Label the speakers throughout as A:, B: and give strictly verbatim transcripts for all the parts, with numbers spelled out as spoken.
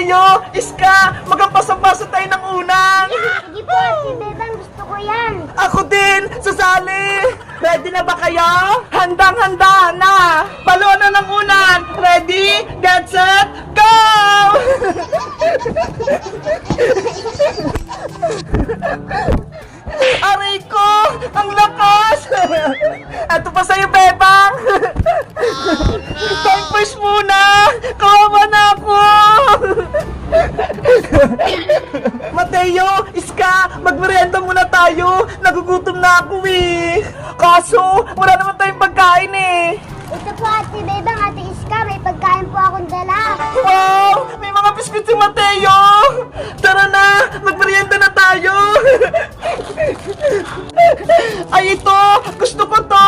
A: Mateo, Iska, magampasang-basa tayo ng unang.
B: Sige po, si Bebang, gusto ko yan.
A: Ako din, sasali. Ready na ba kayo? Handang-handa na. Balon na ng unan. Ready, get set, go! Aray ko! Ang lakas! Ito pa sa'yo, Bebang! Time first muna! Kawawa na ako! Mateo, Iska, magmerienda muna tayo! Nagugutom na ako eh! Kaso, wala naman tayong pagkain eh!
B: Ito po, Ate Bebang, Ate Iska, may pagkain po akong dala.
A: Wow! May mga biskuit si Mateo! Tara na! Magmerienda na tayo! Ay, ito! Gusto ko to!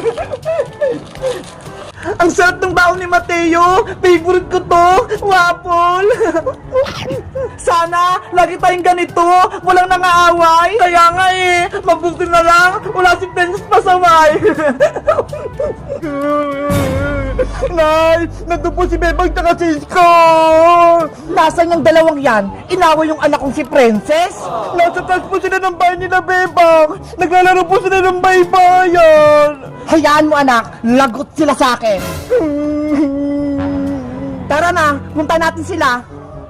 A: Ang sarap ng baon ni Mateo! Favorite ko to! Waffle! Sana, lagi tayong ganito! Walang nangaaway! Kaya nga eh! Mabuti na lang! Wala si Princess pasaway! Nay! Nandun po si Bebang tsaka si Isko! Nasaan yung dalawang yan? Inaway yung anak kong si Princess? Nasa taas po sila ng bahay nila, Bebang! Naglalaro po sila ng baybayan! Hayaan mo, anak! Lagot sila sa akin! Tara na! Punta natin sila!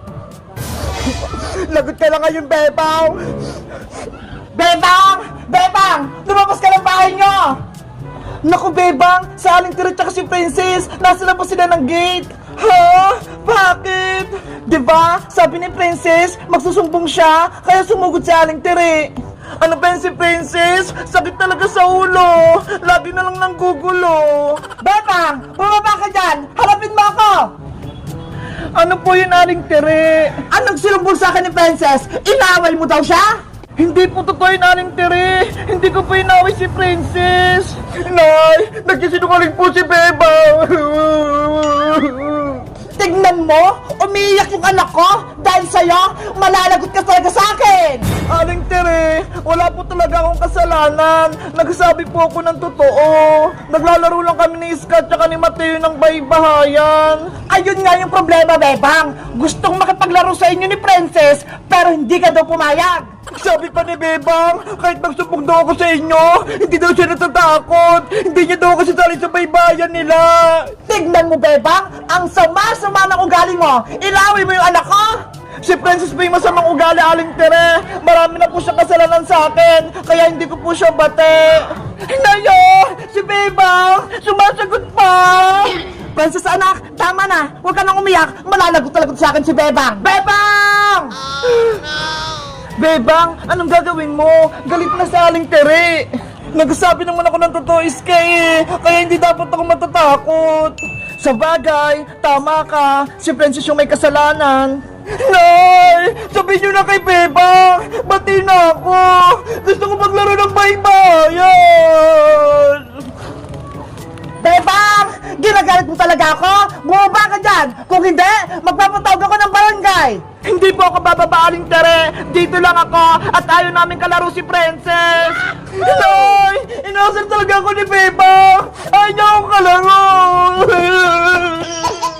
A: Lagot ka lang ngayon, Bebang! Bebang! Bebang! Lumabas ka ng bahay nyo! Naku, Bebang! Sa aling tira tsaka si Princess! Nasa labas sila ng gate! Ha? Bakit? Diba? Sabi ni Princess, magsusumbong siya, kaya sumugod si aling tiri. Ano ba yun si Princess? Sakit talaga sa ulo! Lagi na lang nang gugulo! Bebang! Bumaba ka dyan! Harapin mo ako! Ano po yun, aling tiri? Anong sinumbong sa akin ni Princess? Inaway mo daw siya? Hindi po totoo yung aling tiri! Hindi ko po inaway si Princess! Nay! Nagsisinungaling po si Bebang! Tignan mo! Umiiyak yung anak ko! Dahil sa'yo, malalagot ka talaga sa akin! Aling tiri! Wala po talaga akong kasalanan! Nagsasabi po ako ng totoo! Naglalaro lang kami ni Iska at ni Mateo ng baybahayan! Ayun nga yung problema, Bebang! Gustong makipaglaro sa inyo ni Princess, pero hindi ka daw pumayag! Sabi pa ni Bebang, kahit magsubok daw ako sa inyo, hindi daw siya natatakot. Hindi niya daw kasi sali sa baybayan nila. Tignan mo, Bebang, ang sama-sama ng ugali mo. Ilaway mo yung anak ko. Si Princess ba yung masamang ugali, aling tere? Marami na po siya kasalanan sa akin, kaya hindi ko po siya bate. Nayo, si Bebang, sumasagot pa. Princess anak, tama na. Huwag ka nang umiyak. Malalagot-talagot sa akin si Bebang. Bebang! Oh, no! Bebang, anong gagawin mo? Galit na sa aling tere. Nagsasabi naman ako ng totoo, Iska eh. Kaya hindi dapat ako matatakot. Sa bagay, tama ka. Si Princess yung may kasalanan. Nay! Sabihin nyo na kay Bebang! Bati na ako! Gusto ko maglaro ng baybayan! Bebang! Ginagalit mo talaga ako? Bumaba ka dyan! Kung hindi, magpapatawag ako ng barangay! Hindi po ako bababaaling tere! Dito lang ako at ayaw namin kalaro si Princess! Nay! Inasal talaga ako ni Bebang! Ayaw ko kalaro!